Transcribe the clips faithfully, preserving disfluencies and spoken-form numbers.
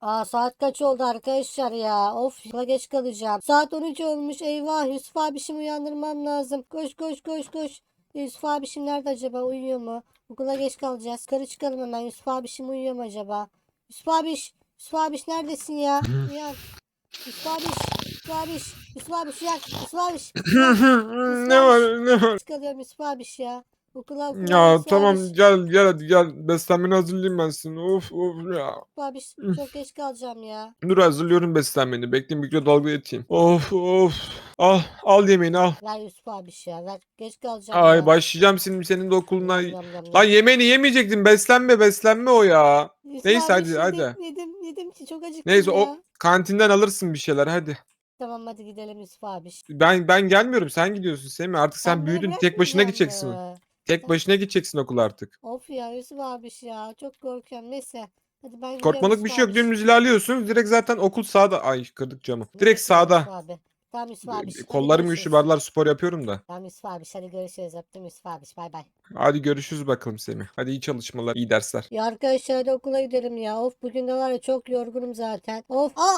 Aa, saat kaç oldu arkadaşlar ya? Of, okula geç kalacağım. Saat on üç olmuş. Eyvah, Yusuf abişimi uyandırmam lazım. Koş koş koş koş. Yusuf abişim nerede acaba? Uyuyor mu? Okula geç kalacağız. Yukarı çıkalım hemen. Yusuf abişim uyuyor mu acaba? Yusuf abiş. Yusuf abiş neredesin ya? Uyan. Yusuf abiş. Yusuf abiş. Yusuf abiş uyan. Yusuf abiş. Uyan. Yusuf Ne abiş. var ne var? Çıkarıyorum Yusuf abiş ya. Okula okula Ya Yusuf tamam abiş. gel gel hadi gel. Beslenmeni hazırlayayım ben seni. Of of ya. Yusuf abiş çok geç kalacağım ya. Dur hazırlıyorum beslenmeni. Bekle mikrodalgaya atayım. Of of. Al al yemeğini al. Ver Yusuf abiş ya. Ver. Geç kalacağım Ay ya. başlayacağım şimdi senin de okuluna. Yam yam yam Lan yam. yemeğini yemeyecektin. Beslenme beslenme o ya. Yusuf Neyse abi hadi yedim hadi. yedim yedim ki çok acıktım Neyse o ya. kantinden alırsın bir şeyler hadi. Tamam hadi gidelim Yusuf abi. Ben ben gelmiyorum sen gidiyorsun Semih. Artık Sen sen beni büyüdün. Tek başına bırakmayacak gideceksin. mı? Tek Sen başına gideceksin okula artık. of ya Yusuf abi ya çok korkuyorum. Neyse hadi ben gidiyorum Korkmalık bir Yusuf şey yok. abi. Dümdüz ilerliyorsunuz. Direkt zaten okul sağda. Ay kırdık camı. Direkt Tamam Yusuf sağda. abi. Tamam Yusuf abi E, hadi Kollarım güçlü görüşürüz. barlar spor yapıyorum da. Tamam Yusuf abi hadi görüşürüz. Öptüm Yusuf abi bay bay. Hadi görüşürüz bakalım Semih. Hadi iyi çalışmalar, iyi dersler. Ya arkadaşlar hadi okula gidelim ya. Of bugün de var ya çok yorgunum zaten. Of aa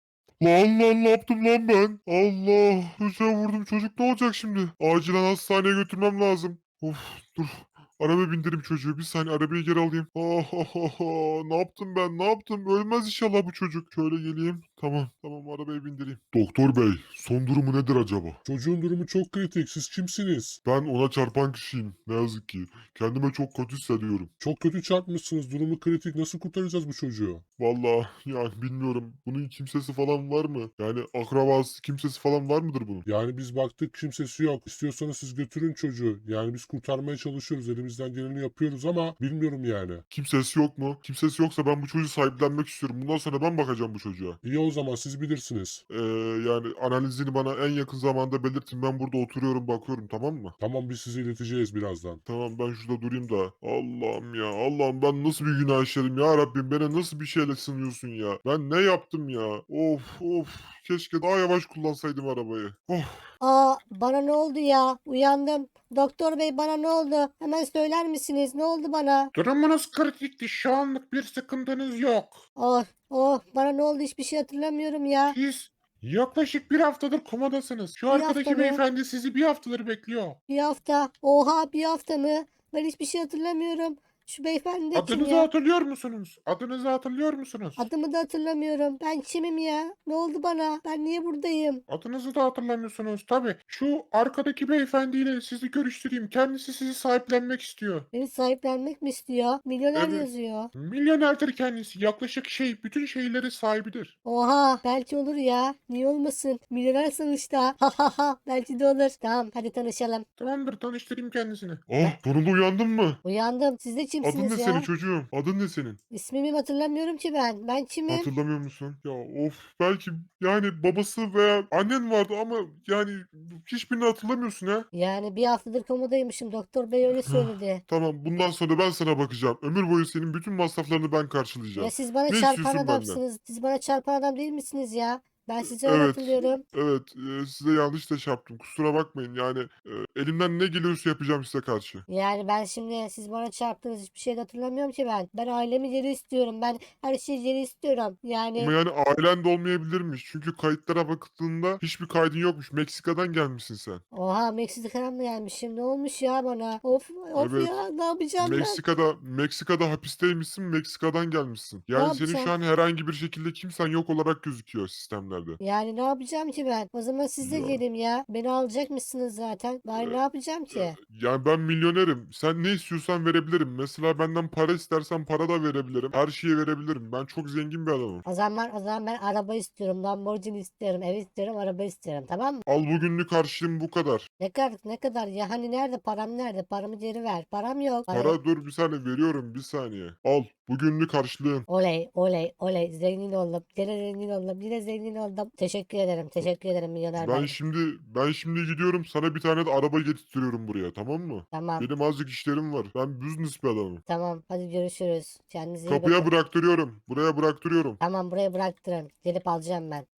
Lan lan ne yaptım lan ben? Allah hıçağa vurdum çocuk ne olacak şimdi? Acilen hastaneye götürmem lazım. Of dur. Arabaya bindireyim çocuğu. Bir saniye arabayı geri alayım. Oh, oh, oh, oh. Ne yaptım ben? Ne yaptım? Ölmez inşallah bu çocuk. Şöyle geleyim. Tamam. Tamam arabaya bindireyim. Doktor bey, son durumu nedir acaba? Çocuğun durumu çok kritik. Siz kimsiniz? Ben ona çarpan kişiyim. Ne yazık ki. Kendime çok kötü hissediyorum. Çok kötü çarpmışsınız. Durumu kritik. Nasıl kurtaracağız bu çocuğu? Vallahi yani bilmiyorum. Bunun kimsesi falan var mı? Yani akrabası kimsesi falan var mıdır bunun? Yani biz baktık kimsesi yok. İstiyorsanız siz götürün çocuğu. Yani biz kurtarmaya çalışıyoruz. Elimizden geleni yapıyoruz ama bilmiyorum yani. Kimsesi yok mu? Kimsesi yoksa ben bu çocuğu sahiplenmek istiyorum. Bundan sonra ben bakacağım bu çocuğa. İyi o zaman siz bilirsiniz. Ee, yani analizini bana en yakın zamanda belirtin. Ben burada oturuyorum bakıyorum tamam mı? Tamam biz sizi ileteceğiz birazdan. Tamam ben şurada durayım da. Allah'ım ya Allah'ım ben nasıl bir günah işledim ya Rabbim. Bana nasıl bir şeyle sınıyorsun ya. Ben ne yaptım ya? Of of. Keşke daha yavaş kullansaydım arabayı. Oh. aa bana ne oldu ya? Uyandım. Doktor bey bana ne oldu? Hemen söyler misiniz? Ne oldu bana? Durumunuz kritikti. Şu anlık bir sıkıntınız yok. Oh, oh, bana ne oldu hiçbir şey hatırlamıyorum ya. Siz yaklaşık bir haftadır komadasınız. Şu Bir hafta arkadaki mı? beyefendi sizi bir haftadır bekliyor. Bir hafta. Oha bir hafta mı? Ben hiçbir şey hatırlamıyorum. Şu beyefendi de kim Adınızı ya? hatırlıyor musunuz? Adınızı hatırlıyor musunuz? Adımı da hatırlamıyorum. Ben kimim ya? Ne oldu bana? Ben niye buradayım? Adınızı da hatırlamıyorsunuz. Tabii şu arkadaki beyefendiyle sizi görüştüreyim. Kendisi sizi sahiplenmek istiyor. Beni sahiplenmek mi istiyor? Milyoner Evet. yazıyor. Milyonerdir kendisi. Yaklaşık şey bütün şeyleri sahibidir. Oha belki olur ya. Niye olmasın? Milyoner sonuçta. Ha ha ha. Belki de olur. Tamam hadi tanışalım. Tamamdır tanıştırayım kendisini. Oh sonunda uyandın mı? Uyandım. Siz de Adın kimsiniz ne senin ya? çocuğum? Adın ne senin? İsmimi hatırlamıyorum ki ben. Ben kimim? Hatırlamıyor musun? Ya of belki yani babası veya annen vardı ama yani hiçbirini hatırlamıyorsun ha. Yani bir haftadır komadaymışım. Doktor bey öyle söyledi. Tamam bundan sonra ben sana bakacağım. Ömür boyu senin bütün masraflarını ben Ya karşılayacağım. siz bana Ne çarpan istiyorsun benden? adamsınız. Siz bana çarpan adam değil misiniz ya? Ben sizi öyle Evet, hatırlıyorum. evet e, size yanlış da şey yaptım. Kusura bakmayın yani e, elimden ne geliyorsa yapacağım size karşı. Yani ben şimdi siz bana çarptınız hiçbir şey de hatırlamıyorum ki ben. Ben ailemi geri istiyorum. Ben her şeyi geri istiyorum. Yani Ama yani ailen de olmayabilirmiş. Çünkü kayıtlara bakıldığında hiçbir kaydın yokmuş. Meksika'dan gelmişsin sen. oha Meksika'dan mı gelmişim? Ne olmuş ya bana? Of of Evet. ya ne yapacağım ben? Meksika'da Meksika'da hapisteymişsin, Meksika'dan gelmişsin. Ne Yani senin şu yapacağım? an herhangi bir şekilde kimsen yok olarak gözüküyor sistemlerde. Yani ne yapacağım ki ben? O zaman siz de Ya, gelin ya. Beni alacakmışsınız zaten. Ben ne e, yapacağım e, ki? yani ben milyonerim. Sen ne istiyorsan verebilirim. Mesela benden para istersen para da verebilirim. Her şeyi verebilirim. Ben çok zengin bir adamım. O zaman o zaman ben araba istiyorum. Lamborghini istiyorum. Ev istiyorum. Araba istiyorum. Tamam mı? Al bugünlük harçlığım bu kadar. Ne kadar ne kadar ya hani nerede param nerede? Paramı geri ver. Param yok. Para yok. Para dur bir saniye veriyorum bir saniye. Al bugünlük harçlığın. Oley oley oley zengin oldum. Yine zengin oldum. Yine zengin oldum. Teşekkür ederim. Teşekkür ederim milyoner Ben bey. şimdi ben şimdi gidiyorum sana bir tane de araba getirtiyorum buraya tamam mı? Tamam. Benim azıcık işlerim var. Ben business bir adamım. Tamam. Hadi görüşürüz. Kendinize iyi Kapıya bakın. bıraktırıyorum. Buraya bıraktırıyorum. Tamam buraya bıraktırın. Gelip alacağım ben.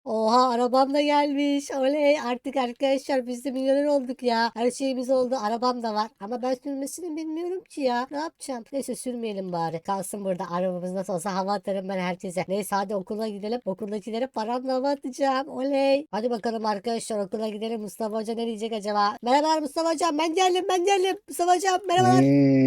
Oha arabam da gelmiş. Oley artık arkadaşlar biz de milyoner olduk ya. Her şeyimiz oldu. Arabam da var. Ama ben sürmesini bilmiyorum ki ya. Ne yapacağım? Neyse sürmeyelim bari. Kalsın burada. Arabamız nasıl olsa hava atarım ben herkese. Neyse hadi okula gidelim. Okuldakilere paramla hava atacağım. Oley. Hadi bakalım arkadaşlar okula gidelim. Mustafa Hoca ne diyecek acaba? Merhabalar Mustafa Hocam. Ben geldim ben geldim. Mustafa Hocam merhabalar.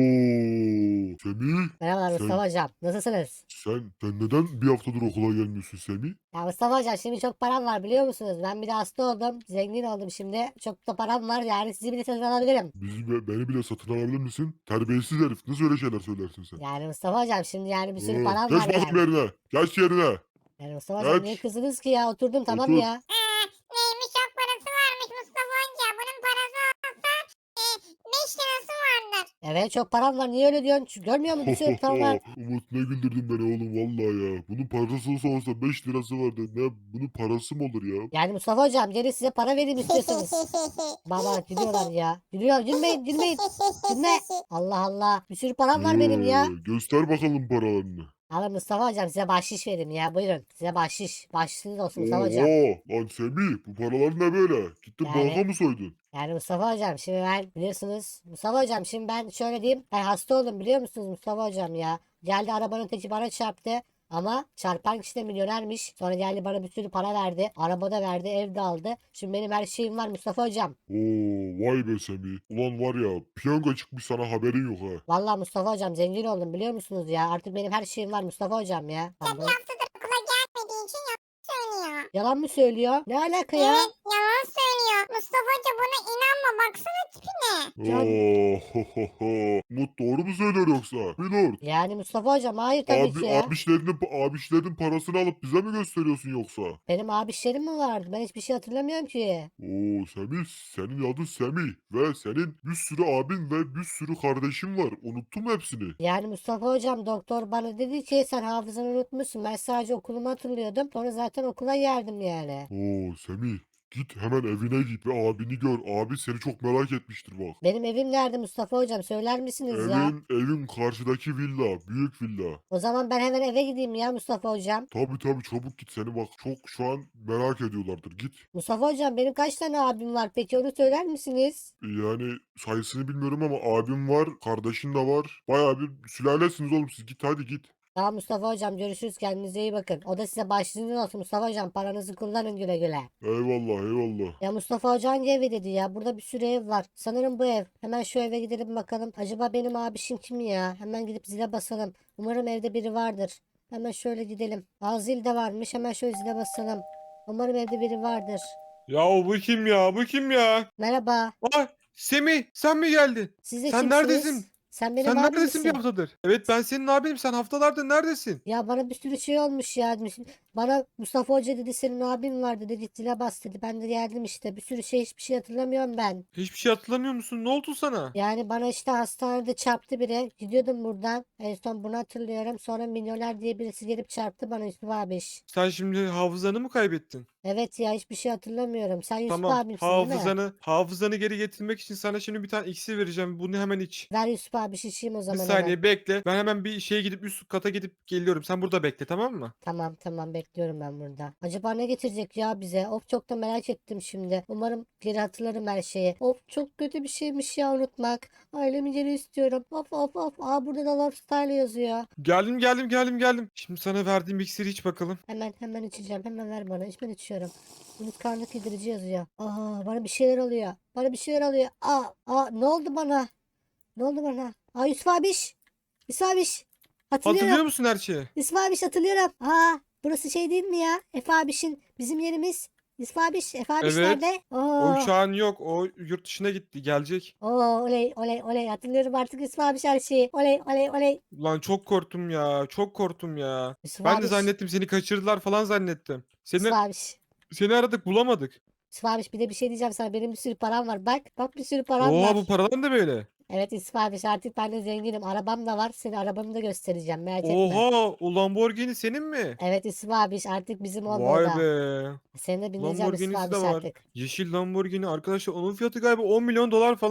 Oo, Semih, Merhabalar sen, Mustafa Hocam. Nasılsınız? sen, sen neden bir haftadır okula gelmiyorsun Semih? Ya Mustafa Hocam şimdi çok param var biliyor musunuz? Ben bir de hasta oldum. Zengin oldum şimdi. Çok da param var yani sizi bile satın alabilirim. Bizi, be- beni bile satın alabilir misin? Terbiyesiz herif. Nasıl öyle şeyler söylersin sen? Yani Mustafa Hocam şimdi yani bir sürü Oo, param geç var bakayım yani. yerine. Geç yerine. Yani Mustafa Hocam Geç. niye kızdınız ki ya? Oturdum tamam Otur. ya. Ee, neymiş çok parası varmış Mustafa Hoca. Bunun parası olsa e, beş lirası vardır. Evet çok param var. Niye öyle diyorsun? Çünkü görmüyor musun? Bir sürü param var. Umut ne güldürdün beni oğlum vallahi ya. Bunun parası olsa olsa beş lirası vardı. Ne bunun parası mı olur ya? Yani Mustafa Hocam geri size para vereyim istiyorsunuz. Baba gülüyorlar ya. Gülüyor. Gülmeyin gülmeyin. Gülme. Allah Allah. Bir sürü param var benim ya. Ee, göster bakalım paralarını. Alın Mustafa Hocam size bahşiş vereyim ya. Buyurun. Size bahşiş. Bahşişiniz olsun Mustafa Hocam. Oha lan Semih bu paralar ne böyle? Gittin Yani- banka mı soydun? Yani Mustafa Hocam şimdi ben biliyorsunuz. Mustafa Hocam şimdi ben şöyle diyeyim. Ben hasta oldum biliyor musunuz Mustafa Hocam ya. Geldi arabanın teki bana çarptı. Ama çarpan kişi de milyonermiş. Sonra geldi bana bir sürü para verdi. Araba da verdi, ev de aldı. Şimdi benim her şeyim var Mustafa Hocam. Oo vay be Semih. Ulan var ya piyango çıkmış sana haberin yok ha. Vallahi Mustafa Hocam zengin oldum biliyor musunuz ya. Artık benim her şeyim var Mustafa Hocam ya. Bir haftadır okula gelmediği için yalan söylüyor. Yalan mı söylüyor? Ne alaka ya? Evet yalan söylüyor. Mustafa Hoca buna inanma baksana tipine. Ya- Oo, ho, ho, ho. Umut doğru mu söylüyor yoksa? Milord. Yani Mustafa Hocam hayır tabii Abi, ki ya. abişlerinin, abişlerin parasını alıp bize mi gösteriyorsun yoksa? Benim abişlerim mi vardı? Ben hiçbir şey hatırlamıyorum ki. Oo Semih, senin adın Semih ve senin bir sürü abin ve bir sürü kardeşin var. Unuttun mu hepsini? Yani Mustafa Hocam doktor bana dedi ki sen hafızanı unutmuşsun. Ben sadece okulumu hatırlıyordum. Sonra zaten okula geldim yani. Oo Semih, git hemen evine git ve abini gör. Abi seni çok merak etmiştir bak. Benim evim nerede Mustafa Hocam söyler misiniz ya? Evin, evin karşıdaki villa, büyük villa. O zaman ben hemen eve gideyim ya Mustafa Hocam. Tabii tabii çabuk git seni bak çok şu an merak ediyorlardır git. Mustafa Hocam benim kaç tane abim var peki onu söyler misiniz? Yani sayısını bilmiyorum ama abim var, kardeşin de var. Bayağı bir sülalesiniz oğlum siz git hadi git. Tamam Mustafa Hocam görüşürüz kendinize iyi bakın. O da size başlığınız olsun Mustafa Hocam paranızı kullanın güle güle. Eyvallah eyvallah. Ya Mustafa Hoca hangi evi dedi ya? Burada bir sürü ev var. Sanırım bu ev. Hemen şu eve gidelim bakalım. Acaba benim abişim kim ya? Hemen gidip zile basalım. Umarım evde biri vardır. Hemen şöyle gidelim. Aa zil de varmış. Hemen şöyle zile basalım. Umarım evde biri vardır. Ya bu kim ya? Bu kim ya? Merhaba. Aa, Semih sen mi geldin? Siz de Sen kimsiniz? neredesin? Sen benim Sen abim neredesin bir misin? haftadır? Evet ben senin abinim. Sen haftalardır neredesin? Ya bana bir sürü şey olmuş ya. Bana Mustafa Hoca dedi senin abin var dedi. Git zile bas dedi. Ben de geldim işte. Bir sürü şey hiçbir şey hatırlamıyorum ben. Hiçbir şey hatırlamıyor musun? Ne oldu sana? Yani bana işte hastanede çarptı biri. Gidiyordum buradan. En son bunu hatırlıyorum. Sonra milyoner diye birisi gelip çarptı bana Yusuf abiş. Sen şimdi hafızanı mı kaybettin? Evet ya hiçbir şey hatırlamıyorum. Sen Yusuf Tamam. abimsin değil mi? Hafızanı, hafızanı geri getirmek için sana şimdi bir tane iksir vereceğim. Bunu hemen iç. Ver Yusuf abi içeyim o Bir zaman hemen. saniye bekle. Ben hemen bir şeye gidip üst kata gidip geliyorum. Sen burada bekle tamam mı? Tamam tamam bekliyorum ben burada. Acaba ne getirecek ya bize? Of çok da merak ettim şimdi. Umarım geri hatırlarım her şeyi. Of çok kötü bir şeymiş ya unutmak. Ailemi geri istiyorum. Of of of. Aa burada da Love Style yazıyor. Geldim geldim geldim geldim. Şimdi sana verdiğim iksiri iç bakalım. Hemen hemen içeceğim. Hemen ver bana. İçmen içiyorum. Unutkanlık giderici yazıyor. Aa bana bir şeyler oluyor. Bana bir şeyler oluyor. Aa, aa ne oldu bana? Ne oldu bana? Aa Yusuf abiş. Yusuf abiş. Hatırlıyorum. Hatırlıyor musun her şeyi? Yusuf abiş hatırlıyorum. Aa burası şey değil mi ya? Efe abişin bizim yerimiz. Yusuf abiş. Efe abiş Evet. nerede? O Oo. şu an yok. O yurt dışına gitti. Gelecek. Oo oley oley oley. Hatırlıyorum artık Yusuf abiş her şeyi. Oley oley oley. Lan çok korktum ya. Çok korktum ya. Yusuf Ben de abiş. zannettim seni kaçırdılar falan zannettim. Yusuf Seni abiş. seni aradık bulamadık. Yusuf abiş bir de bir şey diyeceğim sana. Benim bir sürü param var. Bak bak bir sürü param Oha var. bu paralar da böyle. Evet Yusuf abiş artık ben de zenginim. Arabam da var. Senin arabanı da göstereceğim. Merak etme. Oha o Lamborghini senin mi? Evet Yusuf abiş artık bizim oldu o Vay da. be. Seni de bindireceğim Yusuf Lamborghini'si abiş de var. artık. Yeşil Lamborghini arkadaşlar onun fiyatı galiba on milyon dolar falan.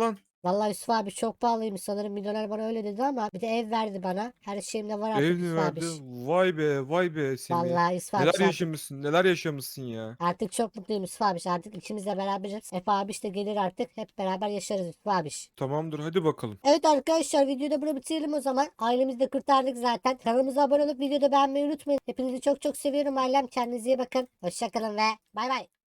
Vallahi Yusuf abi çok pahalıymış sanırım. Milyoner bana öyle dedi ama bir de ev verdi bana. Her şeyim de var artık Ev mi Yusuf verdi? abi. Vay be vay be Semih. Vallahi Yusuf abi Neler artık, yaşamışsın neler yaşamışsın ya. artık çok mutluyum Yusuf abi. Artık ikimiz de beraberiz. Efe abi işte gelir artık. Hep beraber yaşarız Yusuf abi. Tamamdır hadi bakalım. Evet arkadaşlar videoyu da burada bitirelim o zaman. Ailemizi de kurtardık zaten. Kanalımıza abone olup videoda beğenmeyi unutmayın. Hepinizi çok çok seviyorum ailem. Kendinize iyi bakın. Hoşçakalın ve bay bay.